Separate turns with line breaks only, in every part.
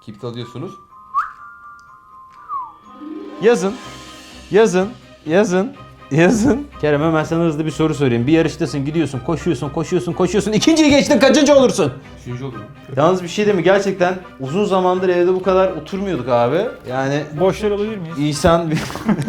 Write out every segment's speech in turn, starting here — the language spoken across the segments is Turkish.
Kibrit alıyorsunuz.
Yazın. Yazın. Yazın. Yazın. Kerem hemen sana hızlı bir soru sorayım. Bir yarıştasın, gidiyorsun, koşuyorsun. İkinciyi geçtin, kaçıncı olursun?
Üçüncü olurum.
Yalnız bir şey değil mi? Gerçekten uzun zamandır evde bu kadar oturmuyorduk abi. Yani
Boşlar olabilir miyiz?
İhsan bir...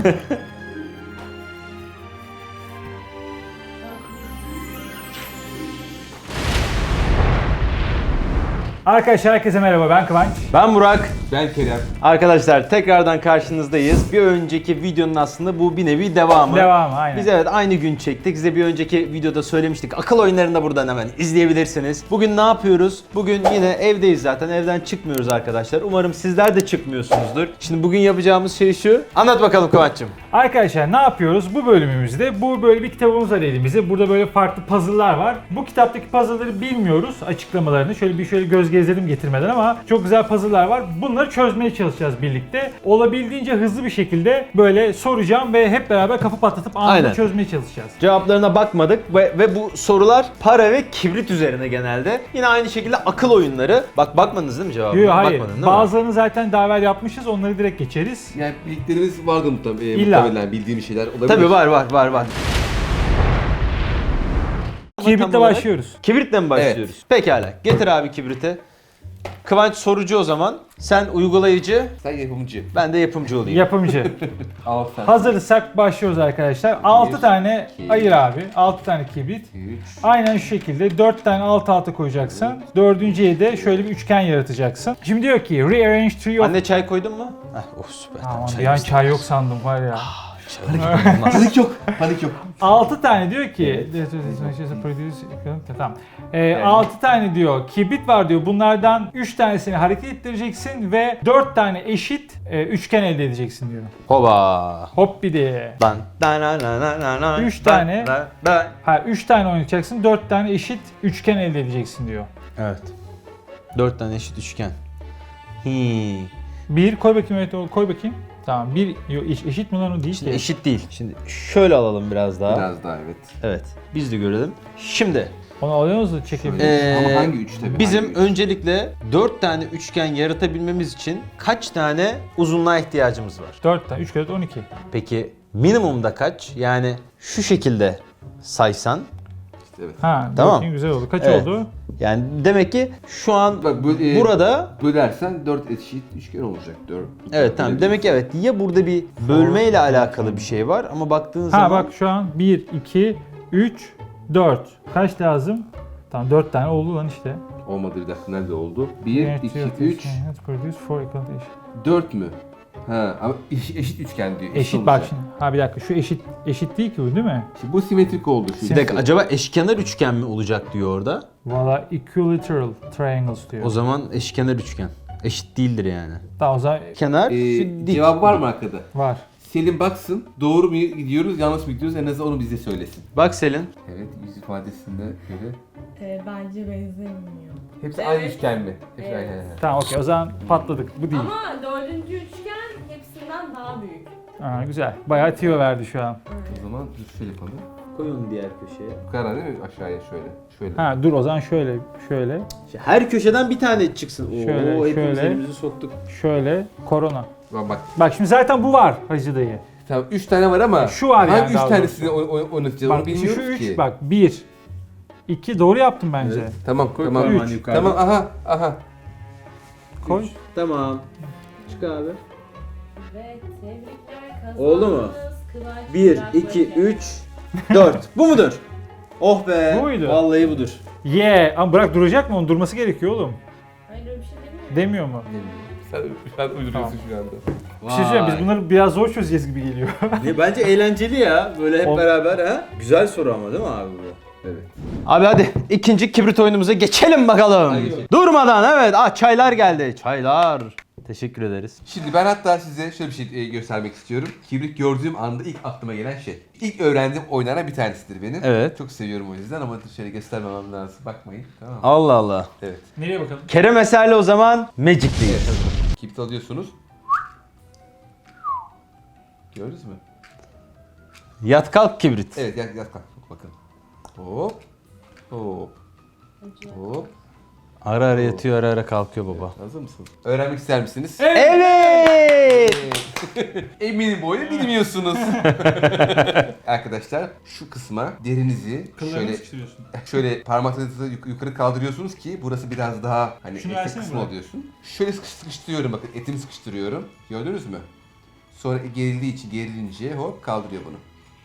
Arkadaşlar herkese merhaba, ben Kıvanç.
Ben Burak.
Ben Kerem.
Arkadaşlar tekrardan karşınızdayız. Bir önceki videonun aslında bu bir nevi devamı.
Devamı, aynen.
Biz evet aynı gün çektik. Size bir önceki videoda söylemiştik. Akıl oyunlarını da buradan hemen izleyebilirsiniz. Bugün ne yapıyoruz? Bugün yine evdeyiz zaten. Evden çıkmıyoruz arkadaşlar. Umarım sizler de çıkmıyorsunuzdur. Şimdi bugün yapacağımız şey şu. Anlat bakalım Kıvanç'cığım.
Arkadaşlar ne yapıyoruz? Bu bölümümüzde böyle bir kitabımız var elimizde. Burada böyle farklı puzzle'lar var. Bu kitaptaki puzzle'ları bilmiyoruz açıklamalarını. Şöyle göz gezdirdim getirmeden ama çok güzel puzzle'lar var. Bunları çözmeye çalışacağız birlikte. Olabildiğince hızlı bir şekilde böyle soracağım ve hep beraber kafa patlatıp anında
Aynen.
çözmeye çalışacağız.
Cevaplarına bakmadık ve bu sorular para ve kibrit üzerine genelde. Yine aynı şekilde akıl oyunları. Bakmadınız değil mi cevabına?
Yok, hayır.
Bakmadın değil mi?
Bazılarını zaten daha evvel yapmışız. Onları direkt geçeriz.
Yani bildiklerimiz vardı
İlla.
muhtemelen bildiğimiz şeyler olabilir.
Tabii var.
Kibritle başlıyoruz.
Kibritle mi başlıyoruz? Pekala. Getir abi kibriti. Kıvanç sorucu o zaman. Sen uygulayıcı,
Sen yapımcı.
ben de yapımcı olayım.
Yapımcı.
Al sen.
Hazırsak başlıyoruz arkadaşlar. 6 tane
iki,
ayır abi. 6 tane kibrit.
3.
Aynen şu şekilde 4 tane alt alta koyacaksın. Dördüncüye de şöyle bir üçgen yaratacaksın. Şimdi diyor ki rearrange tree of...
Anne çay koydun mu? Heh, oh süper.
Aman
Çay
bir an
istedim.
çay yok sandım var ya.
Panik yok. Panik yok.
6 tane diyor ki tamam. 6 tane diyor kibrit var diyor. Bunlardan 3 tanesini hareket ettireceksin ve 4 tane eşit üçgen elde edeceksin diyor.
Hoba.
Hop bir de.
Lan. Da na na na na na.
Üç tane.
Da.
Ha 3 tane oynatacaksın. 4 tane eşit üçgen elde edeceksin diyor.
Evet. 4 tane eşit üçgen. Hi.
Bir koy bakayım, evet koy bakayım. Tamam bir eşit mi lan o değil
Şimdi
ki.
eşit değil. Şimdi şöyle alalım biraz daha.
Biraz daha evet.
Evet. Biz de görelim. Şimdi
Onu alıyor musun çekebiliriz?
Ama hangi üç tabii?
bizim
hangi üç?
öncelikle 4 tane üçgen yaratabilmemiz için kaç tane uzunluğa ihtiyacımız var?
4 tane 3 kere 12.
Peki minimumda kaç? Yani şu şekilde saysan.
İşte evet.
Ha
Tamam.
bakayım güzel oldu. Kaç
Evet.
oldu?
Yani demek ki şu an
Bak
burada
bölersen 4 eşit üçgen olacak. 4.
evet tamam demek ki evet ya burada bir bölme ile alakalı bir şey var ama baktığın
Ha
zaman
bak şu an 1 2 3 4. Kaç lazım? Tamam 4 tane oldu lan işte.
Olmadı bir dakika nerede oldu? 1, 2, 3, 4 mü? Ha ama eşit üçgen diyor.
Eşit bak
olacak.
şimdi. Ha bir dakika şu eşit değil ki bu değil mi?
Şimdi bu simetrik oldu. Şu
bir dakika acaba eşkenar üçgen mi olacak diyor orada?
Valla equilateral triangles diyor.
O zaman eşkenar üçgen. Eşit değildir yani.
Tamam o zaman
Kenar şu dik.
Cevap var mı arkada?
var.
Selim baksın doğru mu gidiyoruz yanlış mı gidiyoruz en azından onu bize söylesin.
Bak Selin.
Evet yüz ifadesinde göre.
Bence benzemiyor.
Hepsi
Evet.
aynı üçgen mi? Hepsi
Evet.
aynı.
Tamam okey o zaman patladık. Bu değil.
Ama dördüncü üçgen hepsinden daha büyük.
Aa, güzel. Bayağı tiyo verdi şu an.
O zaman şöyle yapalım.
Koy onu diğer köşeye.
Bu kadar değil mi? Aşağıya şöyle. Şöyle.
Ha dur o zaman şöyle.
Her köşeden bir tane çıksın.
Şöyle,
Oo, hepimiz
şöyle.
elimizi soktuk.
Şöyle korona.
Bak.
Bak şimdi zaten bu var Hacı dayı.
Tamam 3 tane var ama
Şu var yani
hangi 3
daha
tanesini oynatacağız onu
Bak şu
bilmiyoruz
3
ki.
bak 1 2 doğru yaptım bence.
Evet.
Tamam
Koy
tamam.
parmağını
Üç.
yukarıda.
Tamam aha.
Koy.
Tamam. Çık abi.
Ve tebrikler kazandınız.
Oldu mu?
Kıvanç
1,
Burak
2,
Bey.
3, 4. Bu mudur? Oh be.
Bu muydu?
Vallahi budur.
Ama bırak duracak mı? Onun durması gerekiyor oğlum.
Hayır öyle bir şey demiyorum.
Demiyor mu?
Sen uyduruyorsun şu anda.
Bir şey söyleyeyim biz bunları biraz zor çözeceğiz gibi geliyor.
Bence eğlenceli ya. Böyle hep
O-
beraber ha. Güzel soru ama değil mi abi bu?
Evet.
Abi hadi ikinci kibrit oyunumuza geçelim bakalım.
Hadi geçelim.
Durmadan evet. Çaylar geldi. Çaylar. Teşekkür ederiz.
Şimdi ben hatta size şöyle bir şey göstermek istiyorum. Kibrit gördüğüm anda ilk aklıma gelen şey. İlk öğrendiğim oyunlardan bir tanesidir benim.
Evet.
Çok seviyorum o yüzden ama şöyle göstermemem lazım. Bakmayın. Tamam mı?
Allah Allah.
Evet.
Nereye bakalım?
Kerem Eser'le o zaman Magic'teyiz.
Evet. Hadi. Kibrit alıyorsunuz. Gördünüz mü?
Yat kalk kibrit.
Evet yat kalk. Bakın. Hop. Hop. Hop.
Ara ara yatıyor, ara ara kalkıyor baba.
Hazır mısınız? Öğrenmek ister misiniz?
Evet.
Eminim bu oyunu bilmiyorsunuz. Arkadaşlar şu kısma derinizi şöyle parmaklarınızı yukarı kaldırıyorsunuz ki burası biraz daha hani
Şunu
esnek
versene
kısmı
bana.
oluyorsun. Şöyle sıkıştırıyorum, bakın etimi sıkıştırıyorum. Gördünüz mü? Sonra gerilince hop kaldırıyor bunu.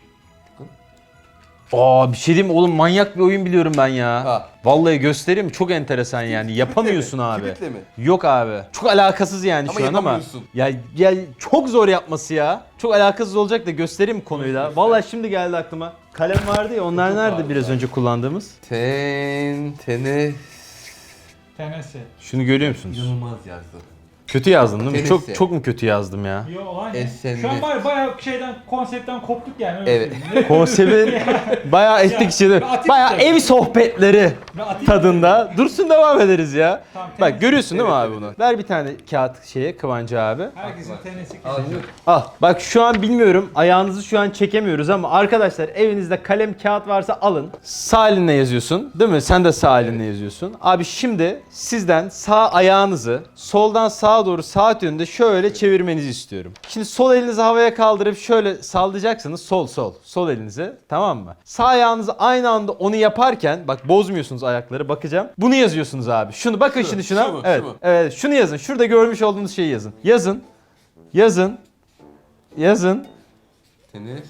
Aa bir şey diyeyim mi? Oğlum, manyak bir oyun biliyorum ben ya.
Ha.
Vallahi göstereyim mi? Çok enteresan yani. Yapamıyorsun
mi?
abi.
Kibritle mi?
Yok abi. Çok alakasız yani
Ama
şu an ama.
yapamıyorsun.
Ya çok zor yapması ya. Çok alakasız olacak da göstereyim mi konuyu da? Vallahi şimdi geldi aklıma. Kalem vardı ya, onlar
Çok
nerede
vardı
biraz
zaten.
önce kullandığımız?
Tenes.
Tenesi.
Şunu görüyor musunuz?
İnanılmaz yazdı.
Kötü yazdım değil mi?
Tenesi.
Çok mu kötü yazdım ya?
Yo olay ne?
Esenli.
Şu an bayağı konseptten koptuk yani. Öyle
Evet.
söyleyeyim.
Konseptin bayağı ettik içinde.
ben atayım
Bayağı
istersen.
ev sohbetleri
Ben atayım
tadında. Dursun, devam ederiz ya.
Tamam,
Bak
tenis.
görüyorsun değil mi
Evet,
abi
evet,
bunu? Ver bir tane kağıt Kıvancı abi.
Herkesin tenesi
Al
kesin.
şunu.
Al. Bak şu an bilmiyorum, ayağınızı şu an çekemiyoruz ama arkadaşlar evinizde kalem kağıt varsa alın. Sağ elinle yazıyorsun değil mi? Sen de sağ elinle yazıyorsun. Abi şimdi sizden sağ ayağınızı soldan sağa doğru saat yönünde şöyle çevirmenizi istiyorum. Şimdi sol elinizi havaya kaldırıp şöyle sallayacaksınız, sol elinizi, tamam mı? Sağ ayağınızı aynı anda onu yaparken bak bozmuyorsunuz ayakları, bakacağım. Bunu yazıyorsunuz abi. Şunu bakın şimdi şuna.
şu mu,
Evet.
şu mu?
Evet, şunu yazın. Şurada görmüş olduğunuz şeyi yazın. Yazın.
Tenis.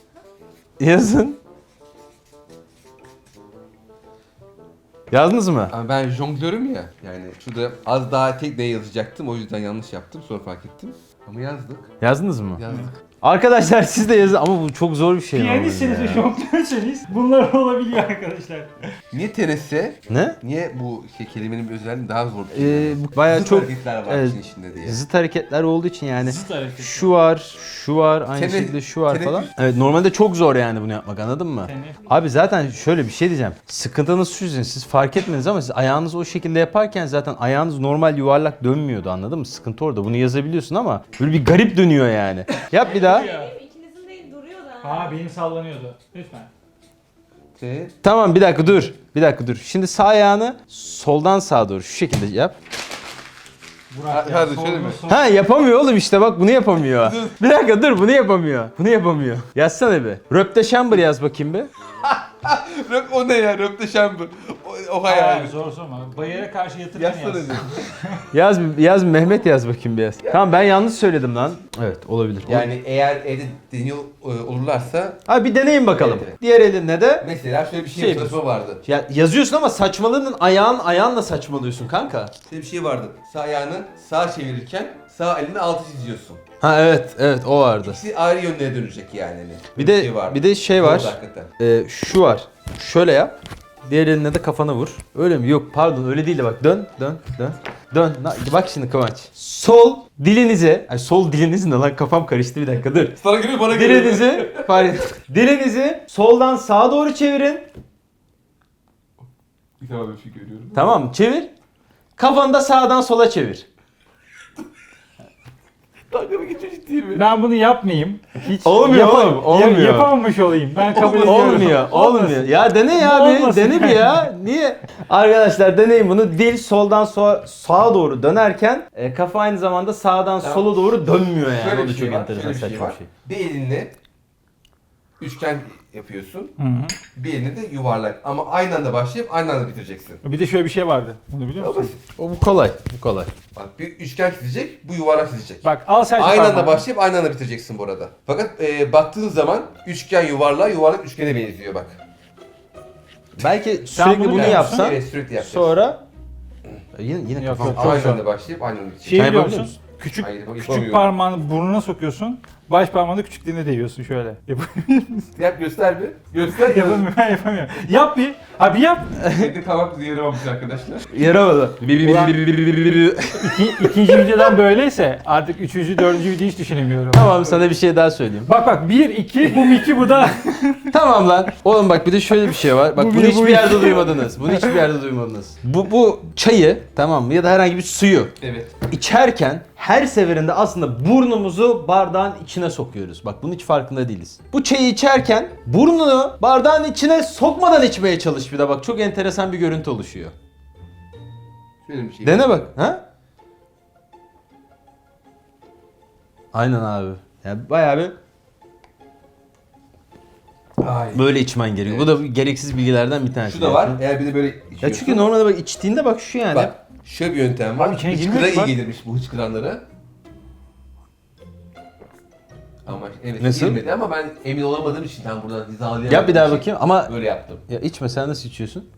Yazdınız mı?
Ama ben jonglörüm ya. Yani şurada az daha tek ne yazacaktım, o yüzden yanlış yaptım. Sonra fark ettim. Ama yazdık.
Yazdınız mı?
Yazdık.
Arkadaşlar siz de yazın ama bu çok zor bir şey.
Piyanistseniz
normalde
ve
ya.
jonglörseniz bunlar olabiliyor arkadaşlar.
Niye tenisse?
Ne?
Niye bu kelimenin bir özelliği daha zor bir kelime?
Bu bayağı
Zıt
çok
hareketler var
evet,
işin içinde diye.
zıt hareketler olduğu için yani.
Zıt hareket.
Şu var, aynı
Tenis-
şekilde şu var falan.
teneffüs.
Evet, normalde çok zor yani bunu yapmak, anladın mı?
Teneffüs.
Abi zaten şöyle bir şey diyeceğim. Sıkıntınız şu yüzden, siz fark etmediniz ama siz ayağınızı o şekilde yaparken zaten ayağınız normal yuvarlak dönmüyordu, anladın mı? Sıkıntı orada. Bunu yazabiliyorsun ama böyle bir garip dönüyor yani. Yap bir daha.
Benim ikinizin değil duruyor da.
Aa benim sallanıyordu. Lütfen.
Tamam, bir dakika dur. Şimdi sağ ayağını soldan sağa doğru şu şekilde yap.
Burak
Hadi şöyle mi?
Ha, yapamıyor oğlum işte, bak bunu yapamıyor. Bir dakika dur, bunu yapamıyor. Yazsana bir. Röpteşambır yaz bakayım bir.
O ne ya? Röpteşambır. O hayal.
Zor sorma. Bayıra karşı yatırırken
Yazsana
yaz.
diyor.
Yaz Mehmet yaz bakayım bir yaz. Tamam, ben yanlış söyledim lan. Evet, olabilir.
Yani eğer evde deniyor olurlarsa
Abi bir deneyin bakalım.
Evet.
Diğer elinle de
mesela şöyle bir
Şey
çalışma vardı.
ya yazıyorsun ama saçmalığının ayağınla saçmalıyorsun kanka.
Şöyle bir şey vardı. Sağ ayağını sağa çevirirken sağ elini altı çiziyorsun.
Ha evet o vardı.
İkisi ayrı yönlere dönecek yani. Hani.
Bir
Böyle
de
vardı.
bir de şey var.
Zordu hakikaten.
Şu var. Şöyle yap. Diğer eline de kafana vur. Öyle mi? Yok pardon, öyle değil de bak dön. Bak şimdi Kıvanç. Sol dilinize, ay sol diliniz ne lan, kafam karıştı, bir dakika dur.
Sana göre bana göre.
Dilinizi soldan sağa doğru çevirin.
Bir tane bir şey görüyorum.
Tamam, çevir. Kafanı da sağdan sola çevir.
Dalga mı geçiyor, ciddi mi?
Ben bunu yapmayayım. Hiç
Olmuyor oğlum, olmuyor.
Yapamamış olayım. Ben kabul ediyorum.
Olmuyor.
Olmasın.
Ya dene ya
Bu
bir,
olmasın.
dene bir ya. Niye? Arkadaşlar deneyin bunu. Dil soldan sağa doğru dönerken kafa aynı zamanda sağdan
Tamam.
sola doğru dönmüyor yani.
Şöyle
O da
bir
çok
şey var.
enteresan,
Şöyle bir şey
saçma
var.
bir şey.
Bir elinle üçgen yapıyorsun.
Hı hı.
Bir elinle de yuvarlak. Ama aynı anda başlayıp aynı anda bitireceksin.
Bir de şöyle bir şey vardı. Bunu biliyor musun?
O bu kolay.
Bak bir üçgen çizecek, bu yuvarlak çizecek.
Bak al sen şu
Aynı anda
parmağını.
başlayıp aynı anda bitireceksin bu arada. Fakat baktığın zaman üçgen yuvarlağa, yuvarlak üçgene benziyor bak.
Belki
bunu
sürekli bunu
biliyor musun?
yapsan
Evet, sürekli yapacağız.
sonra yine
Yok,
kafam
yok.
Aynı
Çok
anda başlayıp aynı anda bitecek.
Şey
Sen
biliyor
yapabiliyor
musun? Küçük
Hayır,
küçük
yapamıyorum.
parmağını burnuna sokuyorsun. Baş parmağını küçükliğine değiyorsun şöyle.
Yap, göster bir. Göster.
Yapamıyorum. Ben yapamıyorum. Yap bir. Abi yap.
Kendi kavak yeri olmuş arkadaşlar.
yaramadı.
İkinci videodan böyleyse artık üçüncü, dördüncü videoyu hiç düşünemiyorum.
Tamam, sana bir şey daha söyleyeyim.
Bak 1, 2, bu 2, bu da.
Tamam lan. Oğlum bak bir de şöyle bir şey var. Bak
Bu
bunu
bir, bu
hiçbir
iki.
yerde duymadınız. Bunu hiçbir yerde duymadınız. Bu çayı, tamam mı, ya da herhangi bir suyu
Evet.
içerken her seferinde aslında burnumuzu bardağın içine sokuyoruz. Bak bunun hiç farkında değiliz. Bu çayı içerken burnunu bardağın içine sokmadan içmeye çalış bir de, bak çok enteresan bir görüntü oluşuyor.
Şöyle bir şey.
Dene bak. Ha? Aynen abi. Yani bayağı bir
Ay.
böyle içmen gerekiyor. Bu da gereksiz bilgilerden bir tanesi.
Şu da var. Eğer bir de böyle içiyorsun.
Ya çünkü normalde bak içtiğinde bak şu yani.
Bak şöyle bir yöntem var.
Abi içine
Hıçkıra
girmiyor ki
iyi
bak.
gelirmiş bu hıçkıranlara. Ama evet
Nasıl?
girmedi ama ben emin olamadığım için tam buradan hizalayamadığım
Yap bir daha
için
bakayım ama
böyle yaptım.
ya içme sen nasıl içiyorsun?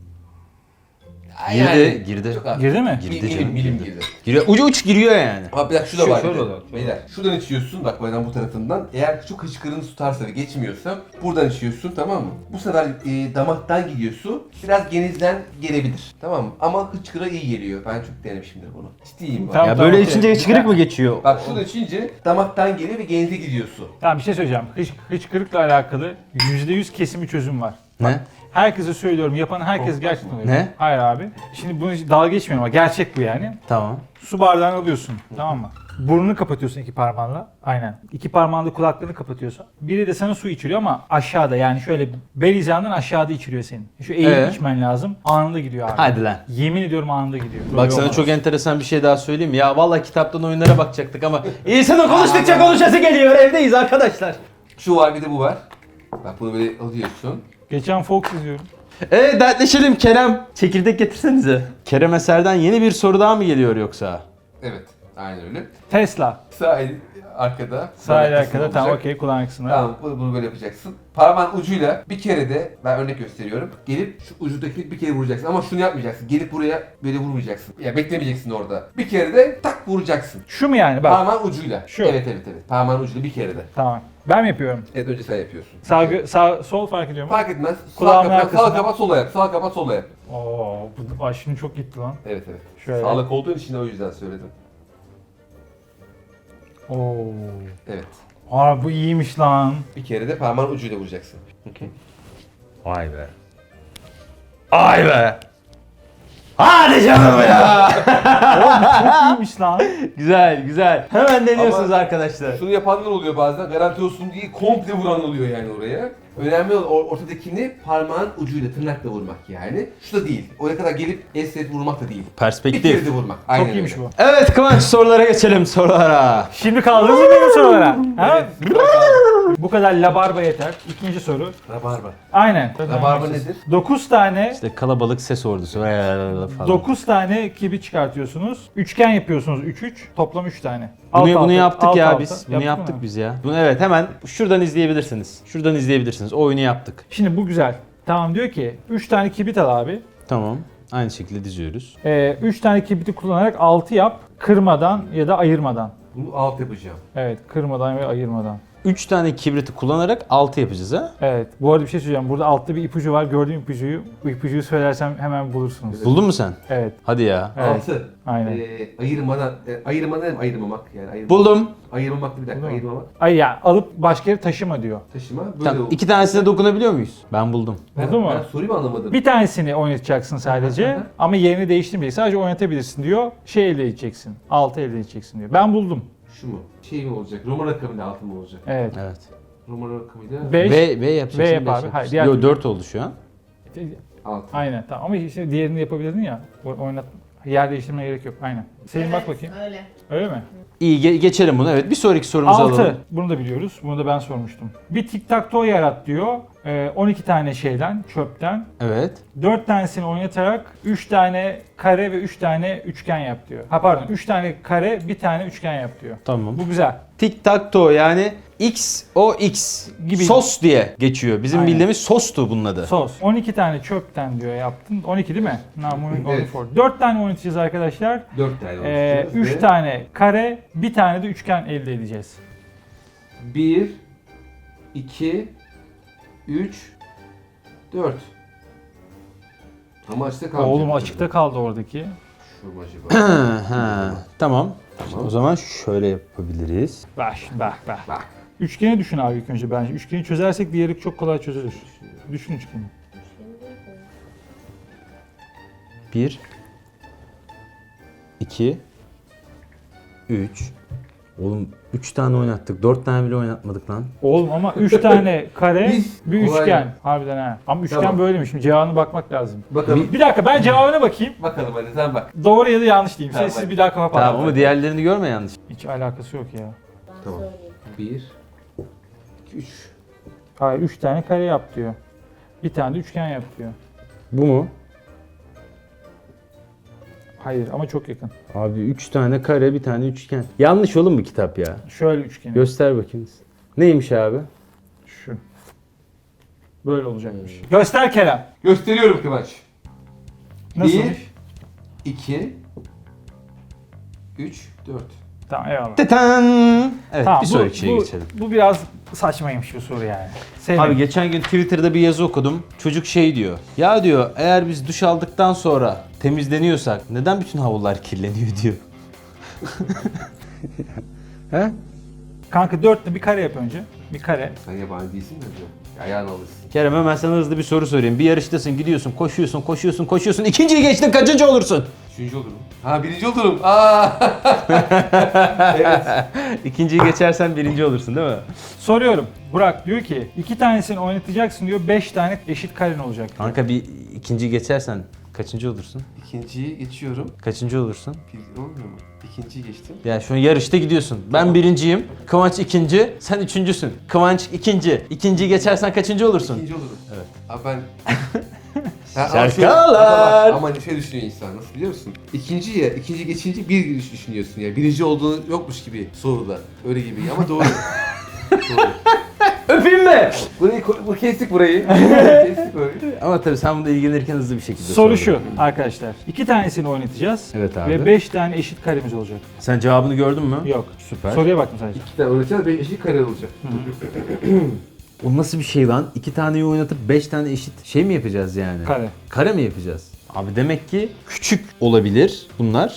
Yani
girdi.
Çok az.
Girdi mi?
Girdi
Milim
canım,
milim
girdi.
girdi.
Giriyor. Ucu uç giriyor yani.
Ama bir dakika şu da
Şu-
var.
şöyle
bir de.
olur, şöyle
Beyler şuradan içiyorsun bak buradan bu tarafından. Eğer şu hıçkırığını tutarsa ve geçmiyorsa buradan içiyorsun tamam mı? Bu sefer damaktan gidiyor su. Biraz genizden gelebilir. Tamam mı? Ama hıçkıra iyi geliyor. Ben çok denemişimdir bunu. Ciddiyim bak.
Tamam.
Ya böyle
okey.
içince çıkırık mı geçiyor?
Bak şurada içince damaktan geliyor ve genize gidiyor su.
Tamam bir şey söyleyeceğim. Hıçkırıkla alakalı %100 kesin bir çözüm var.
Ne?
Herkese söylüyorum. Yapan herkes
Korkmaz
gerçekten
mı?
öyle.
Ne?
Hayır abi. Şimdi bunu dalga geçmiyorum ama gerçek bu yani.
Tamam.
Su bardağını alıyorsun. Tamam mı? Burnunu kapatıyorsun iki parmağınla. Aynen. İki parmağınla kulaklarını kapatıyorsun. Biri de sana su içiriyor ama aşağıda yani şöyle bel hizandan aşağıda içiriyor senin. Şu eğilip içmen lazım. Anında gidiyor abi.
Hadi lan.
Yemin ediyorum anında gidiyor.
Bak
Böyle
sana
olmaz.
çok enteresan bir şey daha söyleyeyim. Ya vallahi kitaptan oyunlara bakacaktık ama insanın konuştukça konuşası geliyor. Evdeyiz arkadaşlar.
Şu var bir de bu var. Bak bunu böyle alıyorsun.
Geçen Fox izliyorum.
Dertleşelim Kerem. Çekirdek getirsenize. Kerem Eser'den yeni bir soru daha mı geliyor yoksa?
Evet. Aynen öyle.
Tesla.
Sağ el arkada.
Sağ el
kulak
arkada
kısmı
tamam
olacak.
okey kulağın kısmına.
Tamam bunu böyle yapacaksın. Parmağın ucuyla bir kere de ben örnek gösteriyorum. Gelip şu ucundaki bir kere vuracaksın ama şunu yapmayacaksın. Gelip buraya böyle vurmayacaksın. Ya beklemeyeceksin orada. Bir kere de tak vuracaksın.
Şu mu yani bak.
Parmağın ucuyla.
Şu.
Evet. Parmağın ucuyla bir kere de.
Tamam. Ben mi yapıyorum?
Evet önce sen yapıyorsun.
Sağ sol fark ediyor mu?
Fark etmez.
Kulağımın
Sağ kapat,
arkasına.
sağ kapat, sola yap. Sağ kapat, sola yap.
Oo, bu şimdi çok gitti lan.
Evet.
Şöyle.
Sağlık olduğun için de o yüzden söyledim.
Oo.
Evet.
Aa bu iyiymiş lan.
Bir kere de parmağın ucuyla vuracaksın.
Vay be. Ay be. Hadi canım ya.
Çok iyiymiş lan.
Güzel güzel. Hemen deniyorsunuz
Ama-
arkadaşlar.
Şunu yapanlar oluyor bazen. Garanti olsun diye komple vuran oluyor yani oraya. Önemli olan ortadakini parmağın ucuyla, tırnakla vurmak yani. Şu da değil. Oraya kadar gelip esnet vurmak da değil. Bir kere
Perspektif.
de vurmak. Aynen
Çok iyiymiş
öyle.
bu.
Evet Kıvanç sorulara geçelim sorulara.
Şimdi kaldınız mı benim sorulara? Ha?
Evet.
Bu kadar labarba yeter. İkinci soru.
Rabarba.
Aynen.
Rabarba nedir?
9 tane
İşte kalabalık ses ordusu falan.
9 tane kibi çıkartıyorsunuz. Üçgen yapıyorsunuz 3-3. Toplam 3 tane.
Bunu yaptık
alt
ya
alta.
biz. Bunu
Yaptık
yaptık
mı?
biz ya. Bunu evet hemen şuradan izleyebilirsiniz. Şuradan izleyebilirsiniz. O oyunu yaptık.
Şimdi bu güzel. Tamam diyor ki 3 tane kibrit al abi.
Tamam. Aynı şekilde diziyoruz.
3 tane kibriti kullanarak 6 yap. Kırmadan ya da ayırmadan.
Bunu alt yapacağım.
Evet, kırmadan ve ayırmadan.
3 tane kibriti kullanarak 6 yapacağız ha.
Evet. Bu arada bir şey söyleyeceğim. Burada altta bir ipucu var. Gördüğüm ipucuyu. Bu ipucuyu söylersem hemen bulursunuz.
Buldun mu sen?
Evet.
Hadi ya.
Evet.
Altı.
Aynen.
Ayırmadan, ayırmadan hem ayırmamak yani.
Buldum.
Ayırmamak bir dakika,
Buldun mu?
ayırmamak.
Ay ya alıp başka yere taşıma diyor.
Taşıma böyle
Tamam.
oldu.
2 tanesine dokunabiliyor muyuz? Ben buldum.
Buldun mu?
Ben soruyu mu anlamadım?
Bir tanesini oynatacaksın sadece ama yerini değiştirmeyeceksin. Sadece oynatabilirsin diyor. Şey elde edeceksin. 6 elde edeceksin diyor. Ben buldum.
Şu mu? Şey mi olacak? Roman rakamıyla altı mı olacak?
Evet.
Evet.
Roman rakamıyla
5.
V yapacaksın.
V yap
beş
abi.
yapacaksın.
Hayır, diğer
Yo
türlü.
4 oldu şu an.
altı.
Aynen tamam ama işte diğerini yapabilirdin ya. Oynat. Yer değiştirmeye gerek yok. Aynen. Senin bak bakayım.
Öyle.
Öyle mi?
İyi geçelim bunu. Evet bir sonraki sorumuzu
6.
alalım.
Bunu da biliyoruz. Bunu da ben sormuştum. Bir tic-tac-toe yarat diyor. 12 tane şeyden, çöpten.
Evet.
4 tanesini oynatarak 3 tane kare ve 3 tane üçgen yap diyor. Ha pardon 3 tane kare, bir tane üçgen yap diyor.
Tamam.
Bu güzel.
Tic tac toe yani X o X
Gibi.
sos diye geçiyor. Bizim
Aynen.
bildiğimiz sostu bunun adı.
Sos. 12 tane çöpten diyor yaptın. 12 değil mi? Now moving on
Evet.
for. 4 tane oynatacağız arkadaşlar.
4 tane olacak.
3 tane kare, bir tane de üçgen elde edeceğiz.
1, 2, 3, 4. Ama açıkta kaldı.
Oğlum açıkta kaldı oradaki.
Şu mu acaba?
Ha, tamam.
Tamam.
O zaman şöyle yapabiliriz.
Bak.
Bak.
Üçgeni düşün abi ilk önce bence. Üçgeni çözersek diğeri çok kolay çözülür. Düşün üçgeni.
1 2 3 Oğlum 3 tane oynattık. 4 tane bile oynatmadık lan.
Oğlum ama 3 tane kare,
Biz-
bir
kolay.
üçgen. Harbiden ha. Ama üçgen
Tamam.
böyleymiş. Şimdi cevabına bakmak lazım.
Bakalım.
Bir dakika ben cevabına bakayım.
Bakalım hadi sen bak.
Doğru ya da yanlış diyeyim.
Tamam,
Siz
bak.
bir daha kafa
Tamam
patlatın.
ama diğerlerini görme yanlış.
Hiç alakası yok ya.
Ben
Tamam.
söyleyeyim.
1 2 3
Hayır 3 tane kare yap diyor. Bir tane de üçgen yap diyor.
Bu mu?
Hayır ama çok yakın.
Abi 3 tane kare, bir tane üçgen. Yanlış oğlum bu kitap ya.
Şöyle üçgen.
Göster bakayım. Neymiş abi?
Şu. Böyle olacakmış. Göster Kerem.
Gösteriyorum Kıvanç.
Nasılmış?
2 3 4
Tamam eyvallah.
Tetan. Evet
Tamam,
bir sonraki şeye geçelim.
Bu biraz saçmaymış bu soru yani. Sevmedim.
Abi geçen gün Twitter'da bir yazı okudum. Çocuk şey diyor. Ya diyor eğer biz duş aldıktan sonra temizleniyorsak neden bütün havlular kirleniyor diyor. He?
Kanka dörtlü bir kare yap önce. Bir kare.
Sen yabancı değilsin de hocam. Ayağını alırsın.
Kerem hemen sana hızlı bir soru sorayım. Bir yarıştasın, gidiyorsun, koşuyorsun. İkinciyi geçtin, kaçıncı olursun?
3. olurum. Ha 1. olurum. Aa. Evet.
İkinciyi geçersen birinci olursun değil mi?
Soruyorum. Burak diyor ki 2 tanesini oynatacaksın diyor. 5 tane eşit karen olacak diyor.
Kanka bir ikinciyi geçersen kaçıncı olursun?
İkinciyi geçiyorum.
Kaçıncı olursun?
Bir olmuyor mu? İkinciyi geçtim.
Ya şu an yarışta gidiyorsun. Ben birinciyim. Kıvanç ikinci. Sen üçüncüsün. Kıvanç ikinci. İkinciyi geçersen kaçıncı olursun?
İkinci olurum.
Evet.
Abi ben... Ha,
Şarkılar!
Ama şey düşünüyor insan nasıl biliyor musun? İkinci geçince bir düşünüyorsun ya. Birinci olduğunu yokmuş gibi soruda. Öyle gibi ama doğru. Doğru.
Öpeyim mi?
Bu kestik burayı. Kestik böyle.
Ama tabii sen bununla ilgilenirken hızlı bir şekilde
Soru
sor.
şu arkadaşlar. 2 tanesini oynatacağız.
Evet abi.
Ve 5 tane eşit karemiz olacak.
Sen cevabını gördün mü?
Yok.
Süper.
Soruya baktım sadece.
İki tane oynayacağız, 5 eşit kare olacak.
O nasıl bir şey lan? 2 taneyi oynatıp 5 tane eşit şey mi yapacağız yani?
Kare.
Kare mi yapacağız? Abi demek ki küçük olabilir bunlar.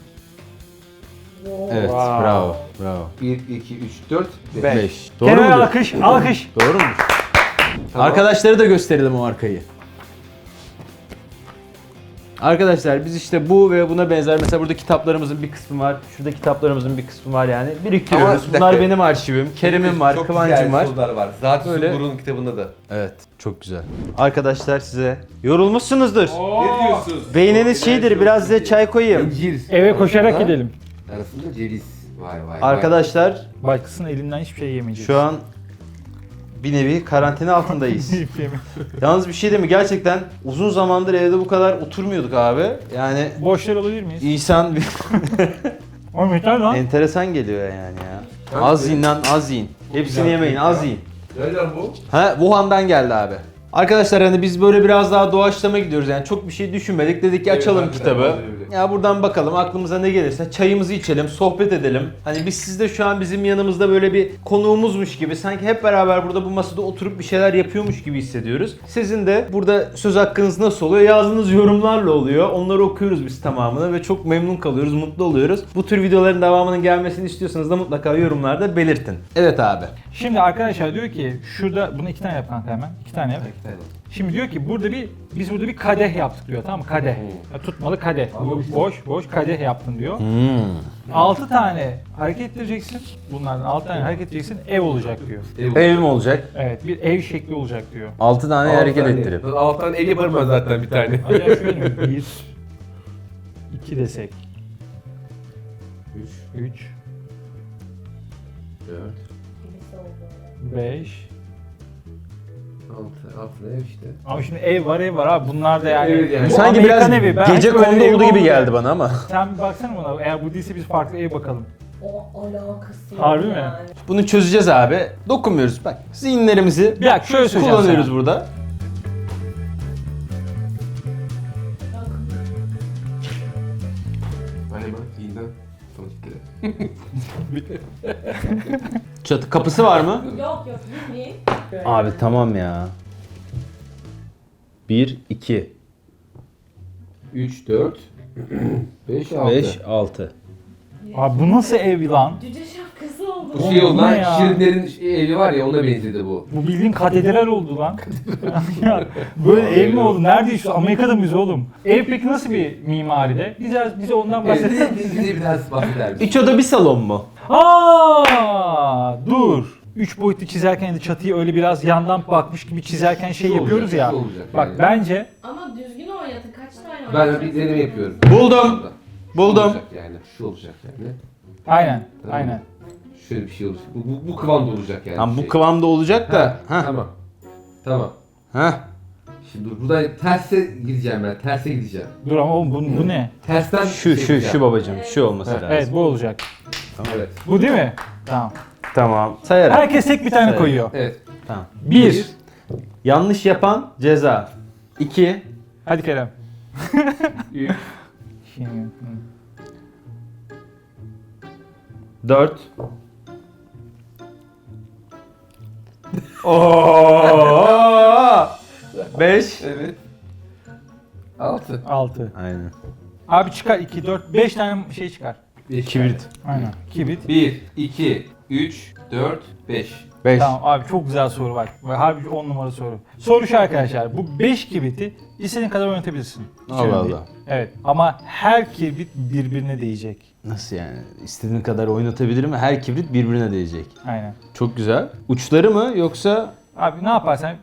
Evet,
Wow.
bravo.
1, 2, 3, 4, 5.
5. Doğru
Kerem
mudur?
alkış, alkış.
Doğru mudur? Arkadaşları da gösterelim o arkayı. Arkadaşlar biz işte bu ve buna benzer mesela burada kitaplarımızın bir kısmı var. Şurada kitaplarımızın bir kısmı var yani. Biriktiriyoruz.
Ama bir
Bunlar
dakika.
benim arşivim. Kerem'im var,
Çok
Kıvancım
güzel
var.
sorular var. Zaten
Öyle.
Sumbur'un kitabında da.
Evet, çok güzel. Arkadaşlar size yorulmuşsunuzdur.
Ne diyorsun?
Beyniniz şeydir, biraz size çay koyayım.
İncir.
Eve koşarak
Arasında-
gidelim.
Arasında ceviz. Vay vay.
Arkadaşlar
Başkasının elinden hiçbir şey yemeyeceğiz.
şu an bir nevi karantina altındayız.
Hiçbir şey
Yalnız bir şey değil mi? Gerçekten uzun zamandır evde bu kadar oturmuyorduk abi. Yani
Boşlar olabilir miyiz?
İhsan bir
Oğlum yeter lan.
enteresan geliyor yani ya. Az yiyin lan, az yiyin. Hepsini yemeyin, az yiyin.
Nereden bu?
Ha, Wuhan'dan geldi abi. Arkadaşlar hani biz böyle biraz daha doğaçlama gidiyoruz yani çok bir şey düşünmedik dedik ki
Evet,
açalım
harbiden,
kitabı.
vallahi öyle.
Ya buradan bakalım aklımıza ne gelirse çayımızı içelim, sohbet edelim. Hani biz sizde şu an bizim yanımızda böyle bir konuğumuzmuş gibi sanki hep beraber burada bu masada oturup bir şeyler yapıyormuş gibi hissediyoruz. Sizin de burada söz hakkınız nasıl oluyor? Yazdığınız yorumlarla oluyor. Onları okuyoruz biz tamamını ve çok memnun kalıyoruz, mutlu oluyoruz. Bu tür videoların devamının gelmesini istiyorsanız da mutlaka yorumlarda belirtin. Evet abi.
Şimdi arkadaşlar diyor ki şurada bunu 2 tane yap kanka hemen. 2 tane yap.
Bekleyelim.
Şimdi diyor ki biz burada bir kadeh yaptık diyor tamam mı? Kadeh. Ya, tutmalı kadeh. Boş kadeh yaptın diyor. 6 tane hareket ettireceksin. Bunlardan 6 tane hareket edeceksin. Ev olacak diyor.
Ev mi olacak?
Evet bir ev şekli olacak diyor.
6 tane hareket ettirip.
Alttan el yaparım ben zaten bir tane.
Acaba şöyle mi? 1 2 desek. 3
4,
Birisi oldu.
5
6 ev işte.
Ama şimdi ev var abi bunlar da yani.
Evet yani.
Bu
Sanki
Amerikan
biraz
evi. Ben
gece
hiç böyle
konuda
ev
olduğu gibi
olmadı.
geldi bana ama.
Sen bir baksana buna. Eğer bu değilse biz farklı ev bakalım.
O alakası yok
Harbi mi?
yani.
Bunu çözeceğiz abi. Dokunmuyoruz bak. Zihinlerimizi
Bir dakika şöyle söyleyeceğim
kullanıyoruz
sana.
burada.
Galiba iğneden sonuçları.
Çatı kapısı var mı?
Yok bilmeyin.
Abi tamam ya. 1, 2,
3, 4, 5, 6.
5, 6.
Abi bu nasıl ev lan?
Cüce şapkası oldu.
Bu şey oldu
Bu
lan,
ne ya?
Şirinlerin evi var ya ona benzedi bu.
Bu bildiğin katedral oldu lan. Ya, böyle ev mi oldu? Nerede işte? Amerika'da mıyız oğlum? Ev peki nasıl bir mimaride? Bize ondan bahsedelim.
Bize biraz bahseder misin?
3 oda bir salon mu?
Dur. 3 boyutlu çizerken de çatıyı öyle biraz yandan bakmış gibi çizerken şey
Şu
yapıyoruz
olacak,
ya.
şu olacak
Bak
yani.
bence
Ama düzgün oynatın. Kaç tane
Ben
oynatın?
bir deneme yapıyorum.
Buldum.
Şu
Buldum.
olacak yani. Şu olacak yani.
aynen.
Tamam.
Aynen.
Şöyle bir şey olacak. Bu kıvamda olacak yani.
Tamam bu
şey.
kıvamda olacak da.
Ha, tamam. Tamam.
Heh.
Şimdi dur buradan terse gideceğim ben. Terse gideceğim.
Dur ama oğlum bu ne?
Tersten
Şu
şey
şu
yapacağım.
şu babacığım. Şu olması
Evet,
lazım.
Evet bu olacak.
Evet.
Bu değil mi? Tamam.
Tamam. Sayarım.
Herkes tek bir tane
Evet.
koyuyor.
Evet.
Tamam.
1.
Yanlış yapan ceza. 2.
Hadi Kerem.
3.
4. Oo! 5.
Evet. 6.
6.
Aynen.
Abi çıkar 2, 4, 5 tane şey çıkar.
Kibrit.
Aynen. Kibrit.
1, 2, 3, 4, 5.
5.
Tamam abi çok güzel soru var. Harbi 10 numara soru. Soru şu arkadaşlar. Bu 5 kibriti istediğin kadar oynatabilirsin. Hiç
Allah
önemli değil.
Allah.
Evet ama her kibrit birbirine değecek.
Nasıl yani? İstediğin kadar oynatabilirim ve her kibrit birbirine değecek.
Aynen.
Çok güzel. Uçları mı yoksa
Abi ne yaparsan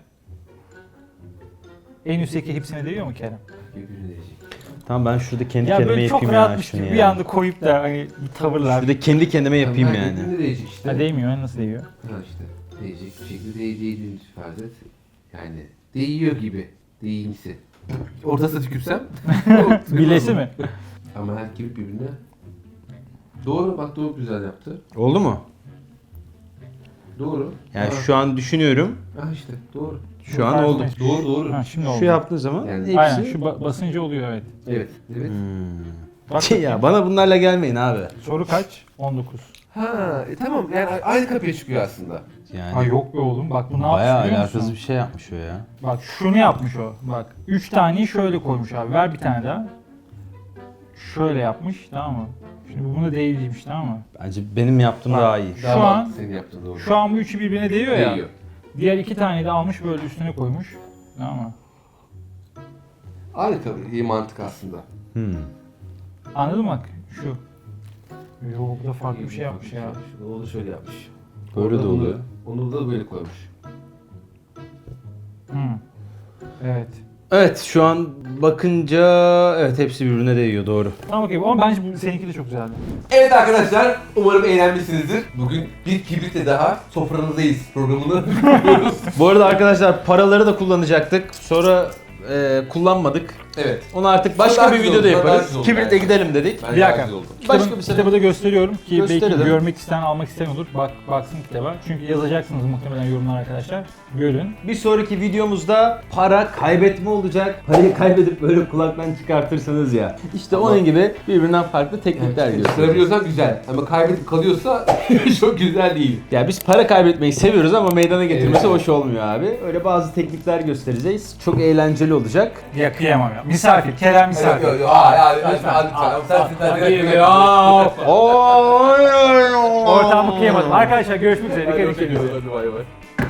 en üstteki hepsine değiyor mu Kerem?
Birbirine değecek.
tamam ben şurada kendi
Ya
kendime
böyle çok
yapayım ya
rahatmış
şunu
gibi
ya.
bir anda koyup da hani bir tavırlar.
Şurada kendi kendime yapayım
Tamam,
yani.
Birbirine değecek işte.
Ha, değmiyor nasıl değiyor?
Ha işte. Değecek bir şekilde değdiğini farz et. Yani değiyor gibi. Değimsi. Ortasına tükürsem.
Bilesi mi?
Ama her kibrit birbirine. Doğru bak doğru güzel yaptı.
Oldu mu?
Doğru.
Yani
Ha.
şu an düşünüyorum.
Ha işte doğru.
Şu an oldu.
Doğru doğru.
Ha, şimdi oldu.
Şu yaptığın zaman
Yani-
hepsi...
Aynen şu basınca oluyor evet.
Evet. Evet.
Bak
Ya bana bunlarla gelmeyin abi.
soru kaç? 19.
Ha tamam yani aynı kapıya çıkıyor aslında.
Yani
Ha yok be oğlum bak bu ne
bayağı
yapmış biliyor
alakasız
musun?
bir şey yapmış o ya.
Bak şunu yapmış o. Bak 3 taneyi şöyle koymuş abi. Ver bir tane daha. Şöyle yapmış tamam mı? Şimdi bu buna değilmiş tamam mı?
Bence benim yaptığım daha iyi.
Şu
Daha
an-
senin yaptığın doğru.
Şu an bu üçü birbirine değiyor ya.
Değiyor.
Diğer 2 taneyi de almış böyle üstüne koymuş. Tamam mı?
Aynı kapı iyi mantık aslında.
Anladın mı bak şu. Yok bu da farklı bir şey yapmış ya.
O da şöyle yapmış.
Böyle
Orada
de oluyor.
Onu da böyle koymuş.
Evet.
Evet şu an bakınca evet hepsi birbirine değiyor doğru.
Tamam okey ama bence seninki de çok güzeldi.
Evet arkadaşlar umarım eğlenmişsinizdir. Bugün bir kibritle daha sofranızdayız programını yapıyoruz.
Bu arada arkadaşlar paraları da kullanacaktık. Sonra kullanmadık.
Evet.
Onu artık başka
Daha
bir
güzel
videoda
oldu, daha
yaparız.
güzel oldu
Kibritle
yani.
gidelim dedik.
Ben
Bir dakika.
razı oldum.
Başka
Kitabı,
bir sebep-
kitabı da gösteriyorum ki
Gösterelim.
belki görmek isteyen, almak isteyen olur. Baksın kitaba. Çünkü yazacaksınız muhtemelen yorumlar arkadaşlar. Görün.
Bir sonraki videomuzda para kaybetme olacak. Parayı kaybedip böyle kulaktan çıkartırsınız ya. İşte
Ama-
onun gibi birbirinden farklı teknikler gösteriyoruz.
Çıkarabiliyorsan güzel ama kaybedip kalıyorsa çok güzel değil.
Ya biz para kaybetmeyi seviyoruz ama meydana getirmesi
Evet.
hoş olmuyor abi. Öyle bazı teknikler göstereceğiz. Çok eğlenceli olacak.
Ya kıyamam ya. Misafir. Kerem misafir.
Yok yok
Ortamı kıyamadım. Arkadaşlar görüşmek üzere. Dikkat edin.
Hadi bay bay.